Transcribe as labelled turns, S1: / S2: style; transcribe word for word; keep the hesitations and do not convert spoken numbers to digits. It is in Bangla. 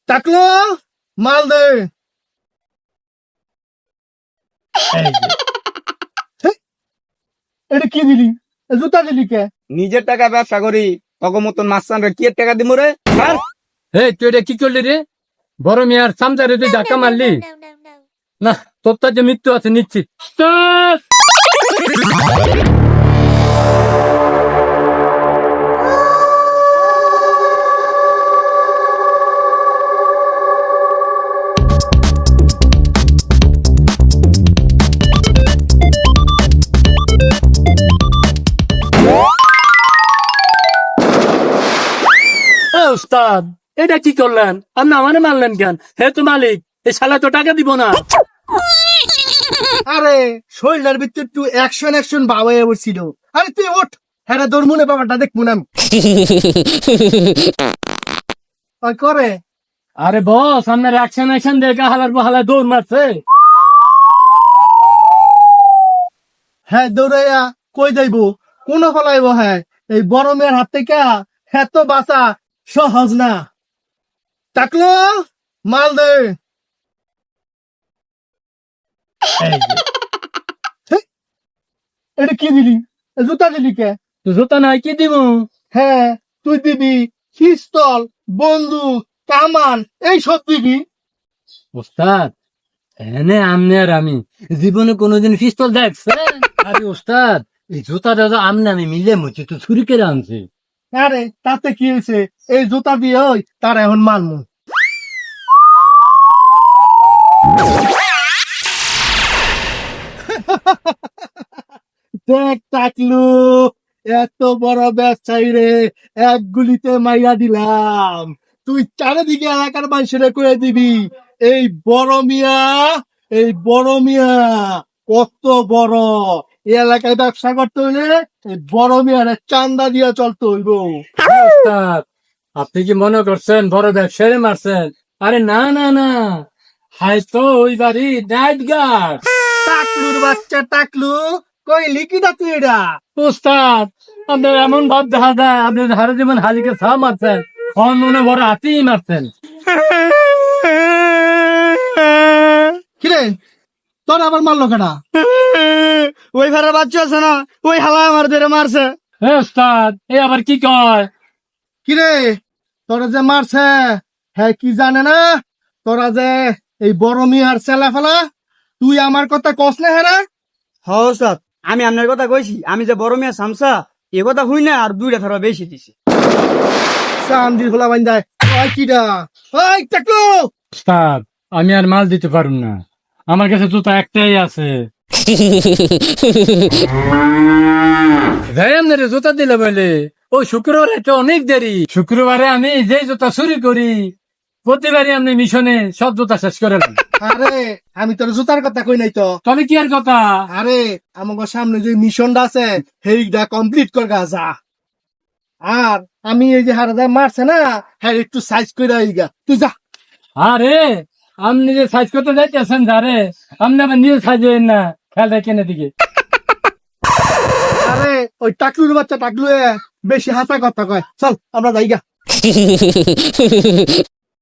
S1: টাকলো মাল দে। এটা কি দিলি? জুতা দিলি কে?
S2: নিজের টাকা ব্যবসা করি, তখন মতন মাস্তান রে কি এর টাকা দিমু রে? ছাড়।
S3: হে তুই এটা কি করলি রে? বড় মেয়ার সামচারে তুই ধাক্কা মারলি না? তোর তো যে মৃত্যু আছে নিশ্চিত। ধ্যাৎ! এ উস্তাদ, এটা কি করলেন? আপনি আমারে মারলেন কেন? হে তো মালিক, এই শালা তো টাকা দিব না।
S1: আরে শরীরের ভিতরে একটু অ্যাকশন অ্যাকশন বাবা ছিল। আরে তুই ওঠ, হ্যাঁ তোর মনে বাবাটা দেখবো না আমি। ওই করে
S3: আরে বস, আপনার অ্যাকশন অ্যাকশন দেখে হালার বহালা দৌড় মারছে।
S1: হ্যাঁ দৌড়াইয়া কই যাইব, কোন ফলাইব? হ্যাঁ এই বড় মেয়ের হাত থেকে হ্যাঁ তো বাঁচা সহজ না। টাকলো মাল দে। হেই, এটা কি দিলি? জুতা দিলি কে?
S3: তো জুতা নাই কি দিব?
S1: হ্যাঁ তুই দিবি পিস্তল, বন্দুক, কামান এই সব দিবি।
S3: উস্তাদ, এনে আমনে আর আমি জীবনে কোনোদিন পিস্তল দেখছে? আরে উস্তাদ, এই জুতাটা তো আমনে আমি মিলে মুছি তো ছুরি কেটে আনছি।
S1: আরে তাতে কি হয়েছে? এই জুতা দিয়ে ওই তার এখন মানমু। দেখ টাকলু, এত বড় ব্যবসায়ী রে এক গুলিতে মাইরা দিলাম। তুই চারিদিকে এলাকার মানুষের করে দিবি এই বড় মিয়া, এই বড় মিয়া কত বড়। এই এলাকায় ব্যবসা করতে হইলে এই বড় মিয়ার চান্দা দিয়া চলতে হইব।
S3: উস্তাদ, আপনি কি মনে করছেন বড় ব্যবসায়ী মারছেন? আরে না না না, হয়তো ওই বাড়ি নাইট গার্ড।
S1: টাকলুর বাচ্চা টাকলু, কইলি কি দা তুই এটা?
S3: উস্তাদ, আপনার এমন ভাব দেখা যায় আপনি হারে যেমন হালিকে ছা মারছেন, অন্য বড় হাতিই মারছেন।
S1: কিরে তোর আবার মারলো কেনা?
S2: ওই ভাড়ার বাচ্চা আছে না, ওই হালা আমার ধরে মারছে।
S3: হে উস্তাদ, এ আবার কি কয়?
S1: কিরে তোরা যে মারছে হ্যাঁ কি জানে না? তোরা যে এই বড় মিয়ার চেলা ফেলা, তুই আমার কথা কস না? হ্যাঁ রে?
S2: হ্যাঁ ওস্তাদ, আমি আপনার কথা কইছি, আমি যে বড় মেয়ে সামসা এ কথা হই না আর দুইটা ধরা বেশি দিছি।
S1: চান্দি খোলা বান্ধায় ওই কিডা? ওই টাকলু,
S3: উস্তাদ, আমি আর মাল দিতে পারুম না, আমার কাছে জুতা একটাই আছে। ভাই আপনার জুতা দিলে বলে ওই শুক্রবারে তো অনেক দেরি। শুক্রবারে আমি যে জুতা চুরি করি প্রতিবারই আপনি মিশনে সব জুতা শেষ করে দেন।
S1: আরে আমি তোর জুতার কথা কই নাই তো।
S3: তবে কি আর কথা?
S1: আরে আমাকে সামনে যে মিশনটা আছে সেইটা কমপ্লিট কর গা যা। আর আমি এই যে হারা যায় মারছে না, হ্যাঁ একটু সাইজ করে আইগা তুই যা।
S3: আরে আপনি যে সাইজ করতে যাইতেছেন যারে, আপনি আবার নিজে সাইজেন না, খেয়াল রাখেন এদিকে।
S1: আরে ওই টাকলুর বাচ্চা টাকলু বেশি হাসা কথা কয়, চল আমরা যাইগা।